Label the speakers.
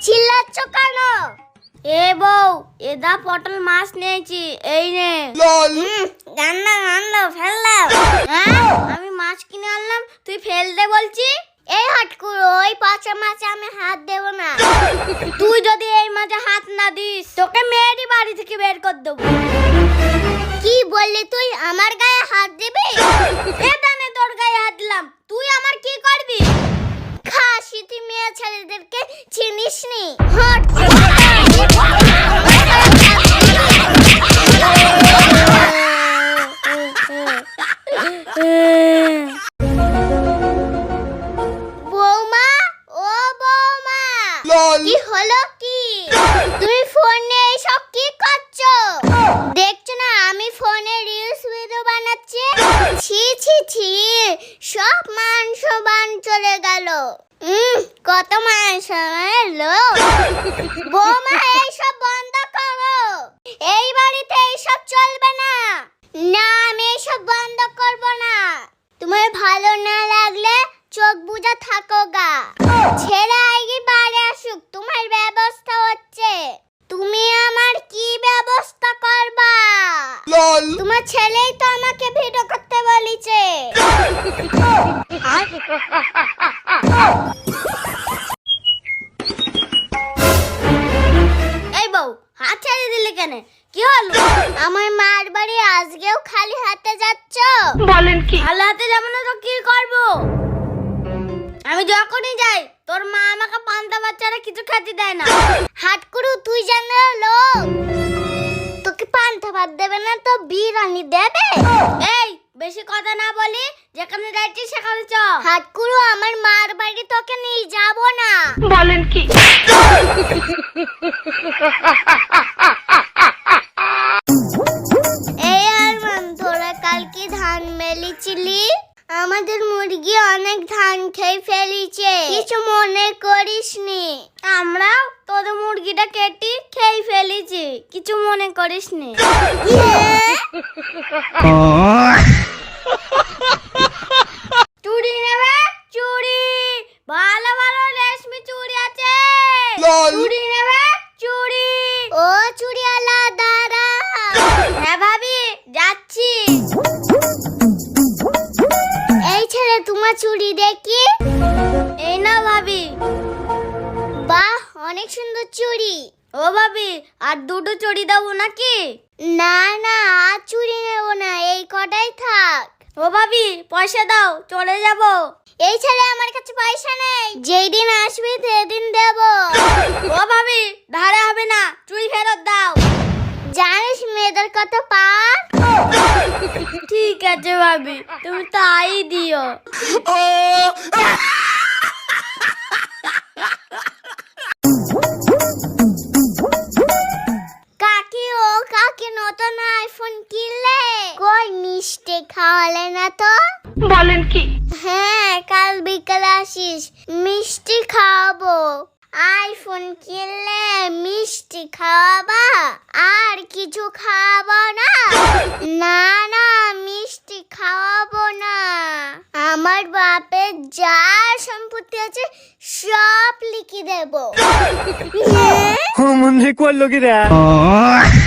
Speaker 1: চিল্লাচ্ছ কেন? এ বউ, এদা পটল মাছ নিয়েছি, এই নে। গান্না গান্না ফেল দাও। হ্যাঁ, আমি মাছ কিনে আনলাম, তুই ফেল দে বলছি? এই হাটকুড়ো, ওই পচা মাছে আমি হাত দেব না। তুই যদি এই মাছে হাত না দিস, তোকে মেয়েরই বাড়ি থেকে বের করে দেবো। কি বললি তুই? আমার গায়ে হাত দিবি? এটা নে, তোর গায়ে হাত দিলাম, তুই আমার কি করবি? খাসি, তুই মেয়ে ছেলেদেরকে চিনিস নি? হট। বৌমা, ও বৌমা, কি হলো কি? তুমি ফোন নিয়ে এসব কি করছো? দেখছো না আমি ফোনে রিলস ভিডিও বানাচ্ছি? ছি ছি ছি, সব মান সম্মান চলে গেল। কত মান সম্মান এলো। বৌমা, এইসব বন্ধ করো, এই বাড়িতে এইসব চলবে না। না, আমি এইসব বন্ধ করব না। তোমার ভালো না লাগলে চোখ বুজা থাকো গা। ছেড়ে আগে বাড়ি আসুক, তোমার ব্যবস্থা হচ্ছে। তুমি আমার কি ব্যবস্থা করবা? তোমার ছেলেই তো আমাকে ভিডিও করতে বলেছে। এই বউ, হাত ছেড়ে দিলে কেন? কি হলো? আমার মার বাড়ি আজকেও খালি হাতে যাচ্ছ?
Speaker 2: বলেন কি?
Speaker 1: খালি হাতে যাবো না তো কি করবো? আমি যখনই যাই তোর মা আমাকে পান্তা বাচ্চারা কিছু খেতে দেয় না। হাটকুড়ু, তুই জানো লোক, তোকে পান্তা ভাত দেবে না তো বিরিয়ানি দেবে। এই, বেশি কথা না বলি, যেখানে যাচ্ছি সেখানে চ। হাটকুড়ু, আমার মার বাড়ি তোকে নিয়ে যাব না।
Speaker 2: বলেন কি?
Speaker 1: এই আরমান, তোরা কালকে ধান মেলেছিলি? আমাদের মুরগি অনেক ধান খেয়ে ফেলেছে, কিছু মনে করিসনি। আমরাও তোদের মুরগিটা কেটে খেয়ে ফেলেছি, কিছু মনে করিসনি। চুড়ি নেবে? চুড়ি, ভালো ভালো রেশমি চুড়ি আছে। চুড়ি নেবে? চুড়ি। ও চুড়িওয়ালা, দাঁড়া। হ্যাঁ ভাবি, যাচ্ছি। এই ছেলে, তোমার চুড়ি দেখি। এই না ভাবি। বাহ, অনেক সুন্দর চুড়ি। ও ভাবি, আর দুটো চুড়ি দেবো নাকি? না না, আর চুড়ি নেবো না, এই কটাই থাক। ও ভাবি, পয়সা দাও, চলে যাব। এই ছেলে, আমার কাছে পয়সা নেই, যেই দিন আসবি সেদিন দেব। ও ভাবি, ধারে হবে না, চুড়ি ফেরত দাও। জানিস মেয়েদের কত পাওয়ার। ঠিক আছে ভাবি, তুমি তাই দিও। কাকি, ও কাকি, নতুন আইফোন কিনলে? কই মিষ্টি খাওয়ালে না তো?
Speaker 2: বলেন কি?
Speaker 1: হ্যাঁ, কাল বিকালে আসিস, মিষ্টি খাওয়াবো। আইফোন কিনলে মিষ্টি খাওয়াবা, আর কিছু খাওয়াবো না? না না, মিষ্টি খাওয়াবো না। আমার বাপের যা সম্পত্তি আছে সব লিখে দেবো।
Speaker 3: মনে করলো কি রে?